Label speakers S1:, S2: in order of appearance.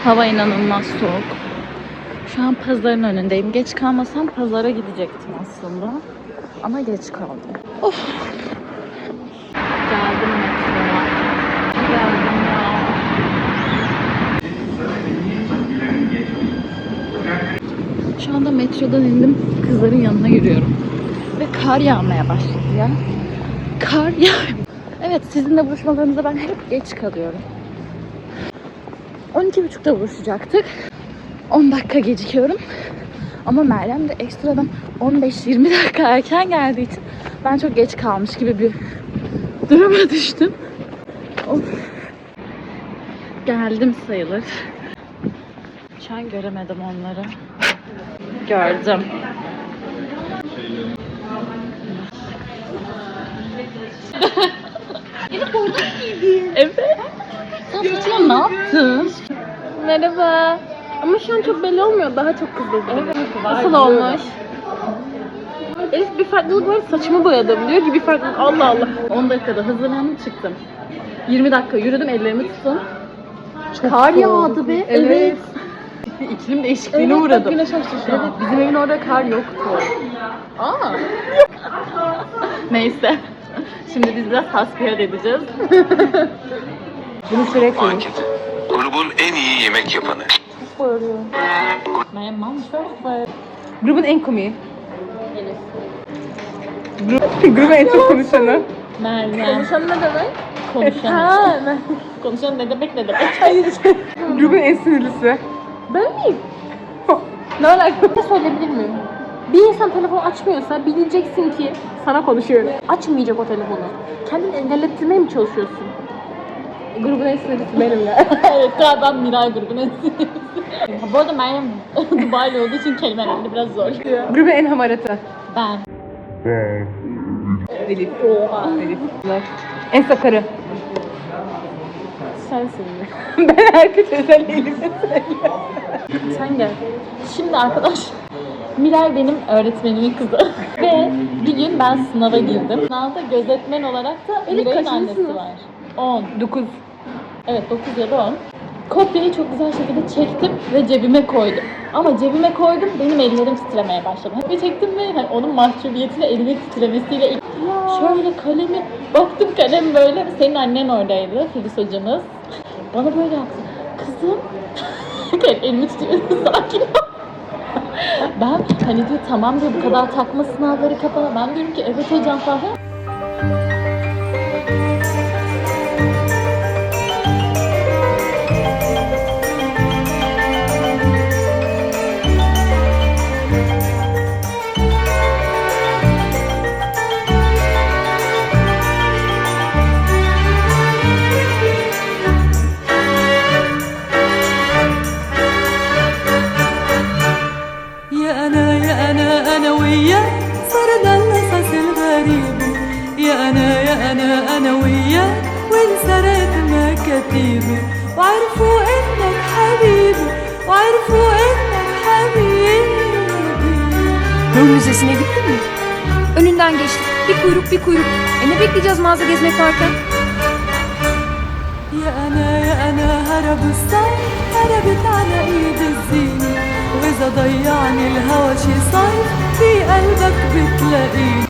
S1: Hava inanılmaz soğuk. Şu an pazarın önündeyim. Geç kalmasam pazara gidecektim aslında. Ama geç kaldım. Of. Geldim metroya. Geldim ya. Şu anda metrodan indim. Kızların yanına yürüyorum. Ve kar yağmaya başladı ya. Kar yağıyor. Evet, sizinle buluşmalarımızda ben hep geç kalıyorum. 12.30'da buluşacaktık. 10 dakika gecikiyorum. Ama Meryem de ekstradan 15-20 dakika erken geldiği için ben çok geç kalmış gibi bir duruma düştüm. Of. Geldim sayılır. Şu an göremedim onları. Gördüm. Evet. Sen saçma ne yaptın?
S2: Merhaba. Ama şu an çok belli olmuyor. Daha çok kızıldı. Evet. Nasıl olmuş? Elif bir farklılık var. Saçımı boyadım. Diyor ki bir farklılık. Allah Allah.
S1: 10 dakikada hazırlandım çıktım. 20 dakika yürüdüm, ellerimi tuttum.
S2: Kar yağdı be.
S1: Evet. İklim değişikliğine
S2: Evet,
S1: uğradım.
S2: güneş açtı şu an.
S1: Evet, bizim evin orada kar yoktu.
S2: Aa.
S1: Neyse. Şimdi biz biraz hasbihal edeceğiz.
S2: Bunu sürekli.
S3: Akif, grubun en iyi yemek yapanı.
S1: My mom çok var.
S2: Grubun en komiği. Grubun en çok konuşanı.
S1: Meryem.
S2: Konuşan ne demek?
S1: Konuşan.
S2: Ha,
S1: Konuşan ne demek ne demek?
S2: hayır. Grubun en sinirlisi. Ben miyim? Ne alaka? Bir şey söyleyebilir miyim? Bir insan telefonu açmıyorsa bileceksin ki sana konuşuyor. Açmayacak o telefonu. Kendini engellettirmeye mi çalışıyorsun? Grubun en sinirlisi benim ya.
S1: Evet, galiba Miray grubun en sinirlisi. Bu arada Meryem Dubai'li olduğu için kelimelerinde biraz zor.
S2: Grubun en hamaratı.
S1: Ben.
S2: Elif. Oha. Elif. En sakarı.
S1: Sensin.
S2: Ben herkes özel Elif'e söylüyorum.
S1: Sen gel. Şimdi arkadaş, Miray benim öğretmenimin kızı. Ve bir gün ben sınava girdim. Sınavda gözetmen olarak da
S2: Elif
S1: Miray'ın
S2: kaçıncı
S1: annesi
S2: sınıf?
S1: var. 10.
S2: 9.
S1: Evet, 9 ya da 10. Kopyayı çok güzel şekilde çektim ve cebime koydum. Ama cebime koydum, benim ellerim titremeye başladı. Ve çektim ve hani onun mahcubiyetiyle elimin titremesiyle şöyle kalemi, baktım kalem böyle. Senin annen oradaydı, Filiz hocamız. Bana böyle yaptı. Kızım, elimi tutuyorsun, sakin ol. Ben hani diyor tamam diyor bu kadar takma sınavları kafana. Ben diyorum ki evet hocam falan.
S4: أنا وياك صرنا القصص الغريب يا أنا وياك وانسرت مكاتيبي وعرفوا إنك حبيبي وعرفوا إنك حبيبي.
S5: Rum Müzesi'ne gittin mi? Önünden geçtik. Bir kuyruk bir kuyruk. Ne bekleyeceğiz mağaza gezmek varken?
S4: يا أنا هرب الصيف هربت على إيد الزينة وإذا ضيعني الهوى شي صيف في قلبك بتلاقيني